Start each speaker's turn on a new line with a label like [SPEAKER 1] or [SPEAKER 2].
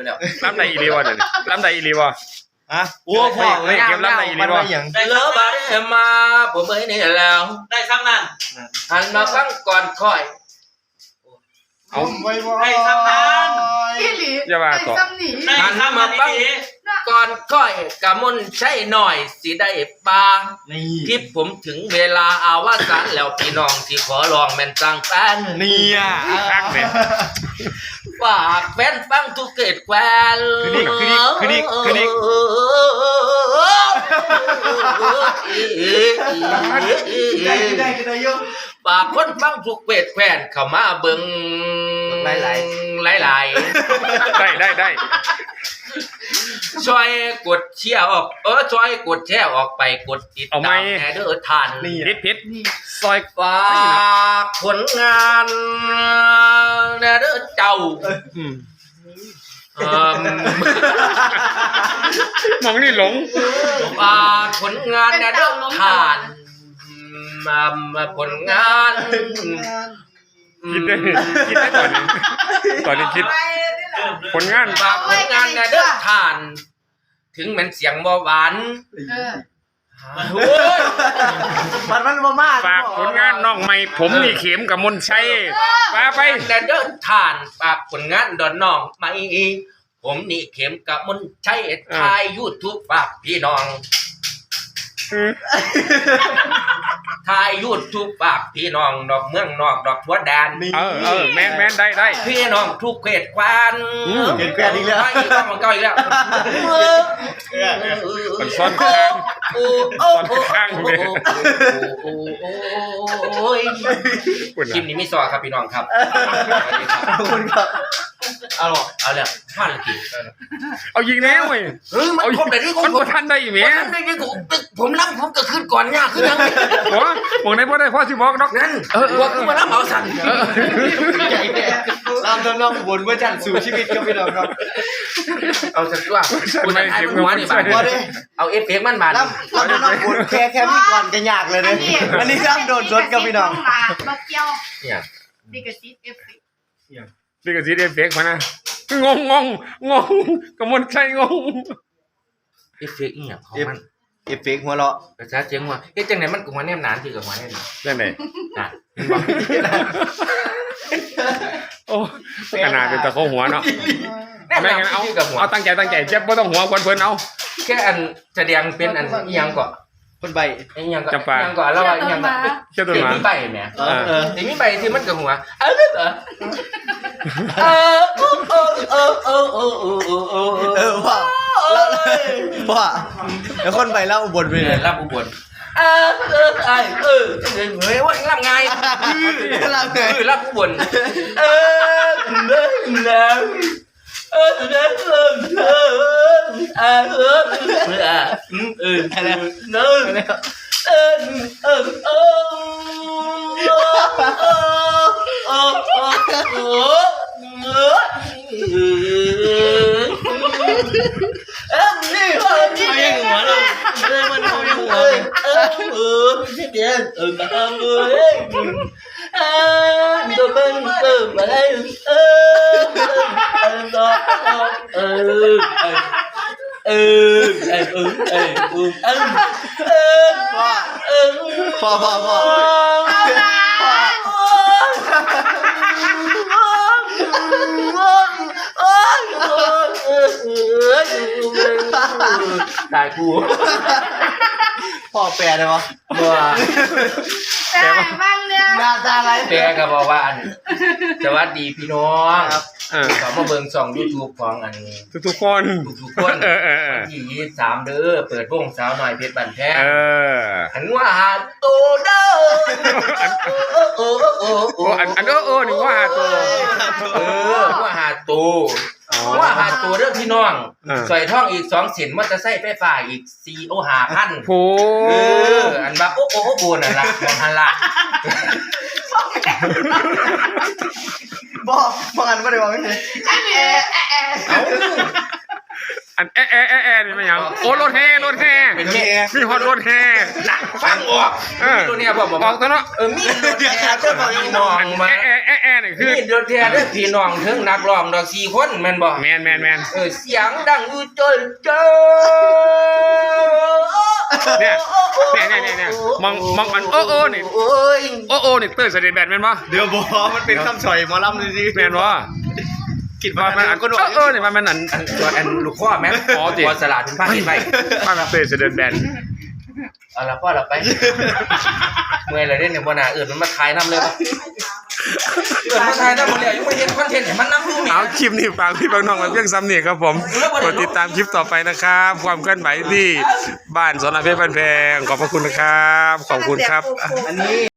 [SPEAKER 1] แล้ว
[SPEAKER 2] ล้ำใดอีรีวะเดี๋ยวล้ำใดอีรีวะ
[SPEAKER 3] ฮะโอ้พ่อเลย
[SPEAKER 2] เก็บล้ำใดอีรีวะ
[SPEAKER 1] ได้เลิฟได้มาผมเอ้ยนี่แล้วได้ซ้ำนั่นหันมาฟังก่อนค่อย
[SPEAKER 2] เอา
[SPEAKER 3] ได้ซ้ำนั้น
[SPEAKER 4] อีหลี
[SPEAKER 2] อย่าว่าต่อ
[SPEAKER 4] ซ้ำหนี
[SPEAKER 1] หันมาฟังก่อนค่อยกะมุนใช่หน่อยสิได้ปา
[SPEAKER 3] นี่
[SPEAKER 1] คลิปผมถึงเวลาอาวสานแล้วพี่น้องที่ขอลองแม่นจังแฟน
[SPEAKER 3] นี่อ่ะ
[SPEAKER 2] ตั้งเลย
[SPEAKER 1] ฝากแฟนฟังทุกเกตแควน
[SPEAKER 3] คือนี่ได้ยก
[SPEAKER 1] ฝากคนฟังทุกเกตแควนเข้ามาเบิ่งหลาย
[SPEAKER 2] ได้
[SPEAKER 1] ช่วยกดเชียร์ออกช่วยกดแชร์ออกไปกดติดตามแอเดอร์ทาน
[SPEAKER 2] พิษซอย
[SPEAKER 1] ฝากผลงานแอเดอร์เจ้า
[SPEAKER 2] มองนี่หลง
[SPEAKER 1] ผลงานแอเดอร์ทานผลงาน
[SPEAKER 2] คิดได้ก่อนนี้คิดผลงาน
[SPEAKER 1] ฝากผลงานแอเดอร์ทาน ถึงมันเสียงบ่หวาน
[SPEAKER 3] มันมาก
[SPEAKER 2] ฝากผลงานน้องใหม่ผมนี่เข็มกับมนชัยมาไป
[SPEAKER 1] แอเดอร์ทานฝากผลงานดอนน้องไม่ผมนี่เข็มกับมนใช้ทายYouTube ฝากพี่น้องทายYouTube ฝากพี่น้องดอกเมืองนอกดอกทั่วแดน
[SPEAKER 2] แมนได้
[SPEAKER 1] พี่น้องทุกเขตควาน
[SPEAKER 3] เห็นแกอีกแล้ว
[SPEAKER 1] มันก็อีกแล้ว
[SPEAKER 2] มันซ้อนข้าง
[SPEAKER 1] คลิปนี้ไม่ซอครับพี่น้องครับ
[SPEAKER 3] ขอบคุณครับ
[SPEAKER 1] เอาแล้วพลาดเลยที
[SPEAKER 2] เอายิงแล้วเว้ย
[SPEAKER 1] มันครบแต่ที่
[SPEAKER 2] มันบ่ทันได้อีเมีย
[SPEAKER 1] ผมรับผมก็ขึ้นก่อนเนี่ยขึ้นยัง
[SPEAKER 2] หัวบอกได้พ่อสิบอกดอก
[SPEAKER 1] นั่นวัวขึ้นมารับเอาสั่น
[SPEAKER 3] ตามน้องบนเมื่อจันสู่ชีวิตครับพี่น้องครับ
[SPEAKER 1] เอาสักว่าคุณไอ้หัวนี่บาดเอาเอฟเฟกต์มันบาด
[SPEAKER 3] น้องบนแค่มีก่อนกันยากเลยเนี่ยอันนี้น้ำโดนรถกับพี่น้อง
[SPEAKER 4] มาเกี่ยว
[SPEAKER 1] เนี่ย
[SPEAKER 4] ดิกระซิบเอฟเฟกต์
[SPEAKER 2] นี่ก็สิเอฟเฟกต์มานะงงกมลชัยงง
[SPEAKER 1] เอฟเฟกต์เนี่ยของมัน
[SPEAKER 3] เอฟเฟกต์หัวเราะ
[SPEAKER 1] กระชากเจียงว่าเอ๊ะจังไหนมันกับหัวแนมนานคือกับหัวแนม
[SPEAKER 2] นั่นไหน
[SPEAKER 1] น่ะ
[SPEAKER 2] โอ้ขนาดเป็นตะโคหัวเนาะ
[SPEAKER 1] แนม
[SPEAKER 2] ไม่
[SPEAKER 1] นาน
[SPEAKER 2] งั้นเอา
[SPEAKER 1] คือกับหัว
[SPEAKER 2] เอาตั้งใจเจ็บบ่ต้องหัวควรเพิ่นเอา
[SPEAKER 1] แค่อันแสดงเป็นอันยังก่อน
[SPEAKER 3] คนใบ
[SPEAKER 1] ยังก่อนแล้วว่ายังก่อน
[SPEAKER 2] เชื่อตัว
[SPEAKER 1] เด็ก
[SPEAKER 2] มา
[SPEAKER 1] มีใบแหม เด็กมีใบที่มันกับหัวเหรอ
[SPEAKER 3] ว่าแล้วคนใบเล่าบนไปเลย
[SPEAKER 1] รับอุบลเฮ้ยว่ารับไงรับอุบล
[SPEAKER 3] พอ
[SPEAKER 1] ตายกู
[SPEAKER 3] พ่อแปลได้ปะ
[SPEAKER 1] บัว
[SPEAKER 4] แต่บ้างเนี่ย
[SPEAKER 3] หน้าตาอะไร
[SPEAKER 1] แปลก็บอกว่าสวัสดีพี่น้องขอมาเบิ่งช่อง YouTube ของอันนี้
[SPEAKER 2] ทุกคน
[SPEAKER 1] ทุกคนที่23เด้อเปิดวงสาวหน่อยเพชรบันแท้หันว่าหาโตเด้อ
[SPEAKER 2] อันนี่ว่าตัว
[SPEAKER 1] ว่าหาโตว่าหาตัวเด้อพี่น้องใส่ท่องอีก2เส้นมอเตอร์ไซค์ไฟฟ้าอีก4,000
[SPEAKER 2] โห
[SPEAKER 1] อันว่าโอ้โบนั่นล่ะมองหันล่ะ
[SPEAKER 3] บอกอันก็ได้บอกไม่ใช่
[SPEAKER 2] อันนี่มันยังโอ้รถแห่มีฮอตรถแห่
[SPEAKER 1] ฟังออกตัวเนี้ยบอก
[SPEAKER 2] ออกตัวเนาะ
[SPEAKER 1] มีรถแห่ก็บอกยังมองมา
[SPEAKER 2] นี่คือ
[SPEAKER 1] นี่รถแท้เด้อพี่น้องถึงนักร้องดอก4คนแม่นบ่
[SPEAKER 2] แมน
[SPEAKER 1] เสียงดังอยู่เจ้อ
[SPEAKER 2] เนี่ยมองมันโอ้นี่
[SPEAKER 1] โอ้ย
[SPEAKER 2] โอ้นี่เตอร์เสด็จแบนแม่นบ่
[SPEAKER 3] เดี๋ยวบอมันเป็นคำฉ่อยหมอลำเลยสิ
[SPEAKER 2] แม่นบ่
[SPEAKER 3] คิด
[SPEAKER 2] ว่า
[SPEAKER 3] ว่า
[SPEAKER 2] มัน
[SPEAKER 3] อันก็โดน
[SPEAKER 2] นี่มันอัน
[SPEAKER 1] ตัวอันลูกข้อแม่
[SPEAKER 2] อ๋อจริง
[SPEAKER 1] พอสลัดเป็นผ้าเห็นไหม
[SPEAKER 2] มันเตอร์เสด็จแบน
[SPEAKER 1] เอาละพ่อเราไปเมื่อยเลยเนี่ยบ่น่ามันมาทายน้ำเลยป่ะมาทายน้ำมันเลยยังไม่เห็นคอนเทนต์มันน้ำดูนี่
[SPEAKER 2] เอาคลิปนี้ฝากพี่น้องไว้เพียงซ้ำนี่ครับผมกดติดตามคลิปต่อไปนะครับความเคลื่อนไหวที่บ้านสนเพชรบ้านแพงขอบพระคุณนะครับขอบคุณครับ
[SPEAKER 1] อันนี้